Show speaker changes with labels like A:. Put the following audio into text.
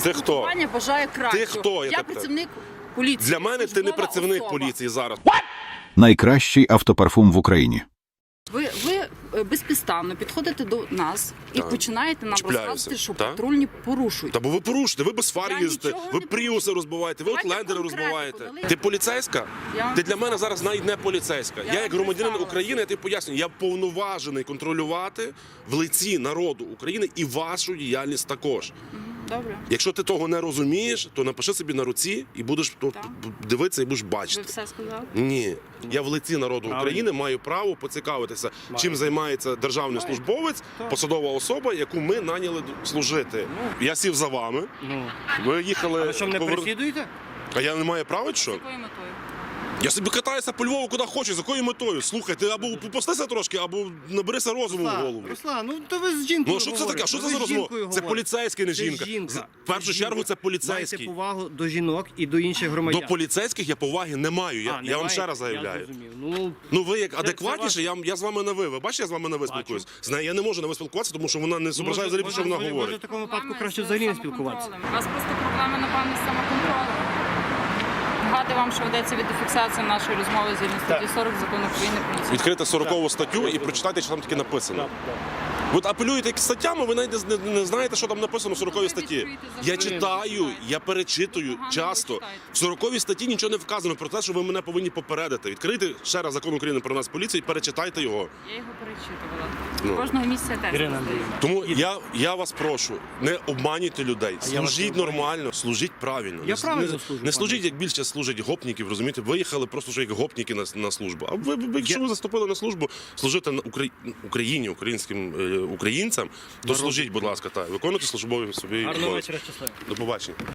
A: Це хто?
B: Компанія бажає кращого.
A: Ти хто?
B: Я працівник поліції.
A: Для мене ти не працівник поліції зараз.
C: Найкращий автопарфум в Україні.
B: Ви безпідставно підходите до нас і починаєте нам
A: Чіпляюся.
B: розказувати, що
A: Так.
B: патрульні порушують.
A: Та бо ви порушите, ви без фар
B: Я
A: їздите,
B: нічого
A: ви
B: не
A: пріуси розбиваєте, ви
B: Давайте
A: отлендери
B: конкретику,
A: розбиваєте.
B: давайте.
A: Ти поліцейська?
B: Я вам
A: Ти для мене
B: представила.
A: зараз навіть не поліцейська. Я
B: вам
A: як громадянин
B: представила.
A: України, я тобі пояснюю, я повноважений контролювати в лиці народу України і вашу діяльність також.
B: Добре.
A: Якщо ти того не розумієш, то напиши собі на руці і будеш дивитися і будеш
B: Ви
A: бачити.
B: все сказали?
A: Ні, я в лиці народу України маю право поцікавитися, чим займається державний службовець, посадова особа, яку ми наняли служити. Я сів за вами. Ви їхали.
D: Ви що, мене переслідуєте?
A: А я не маю права, чи що?
B: З якою метою?
A: Я собі катаюся по Львову, куди хочу, з якою метою. Слухай, ти або попустися трошки, або наберися розуму в голову.
D: Руслан, ну то ви з жінкою
A: Ну що це таке? Що це
D: Ви
A: за
D: з
A: розмова?
D: жінкою
A: Це
D: говорите.
A: поліцейський, не
D: Це
A: жінка.
D: жінка.
A: В першу чергу це
D: Майте
A: поліцейський.
D: повагу до жінок і до інших громадян.
A: До поліцейських я поваги не маю. Я вам
D: немає?
A: ще раз
D: Я
A: заявляю.
D: зрозумів.
A: Ну ви як
D: це
A: адекватніше, я з вами на ви. Ви бачите, я з вами на ви спілкуюсь. З нею я не можу на ви спілкуватися, тому що вона не зображає взагалі, що вона
D: Може,
A: говорить.
D: в такому випадку
B: Проблеми
D: краще
B: з
D: взагалі не
B: самоконтролем.
D: спілкуватися.
B: У вас просто проблеми, напевно, з самоконтролем. Нагадую вам, що ведеться відеофіксація нашої розмови згідно статті 40 Закону України про національну.
A: Відкрити 40-ту статтю і прочитайте, що там таке написано. Ви апелюєте якісь статтями, ви навіть не знаєте, що там написано в 40-й статті. Я читаю, я перечитую часто. В 40-й статті нічого не вказано про те, що ви мене повинні попередити. Відкрийте ще раз Закон України про нас поліцію і перечитайте його.
B: Я його перечитувала.
A: Ну.
B: Кожного місяця тест
D: Ірина
B: здаю.
A: Тому я вас прошу, не обманюйте людей, служіть нормально, служіть правильно.
D: Я правильно служу,
A: Не
D: пане.
A: служіть, як більше служать гопників, розумієте? Виїхали просто що як гопники на службу. А ви, якщо ви заступили на службу, служити на Україні, українським українцям, то служіть, будь ласка, так. Виконуйте службові собі
D: Гарного
A: обов'язки.
D: вечора, щасливо.
A: До побачення.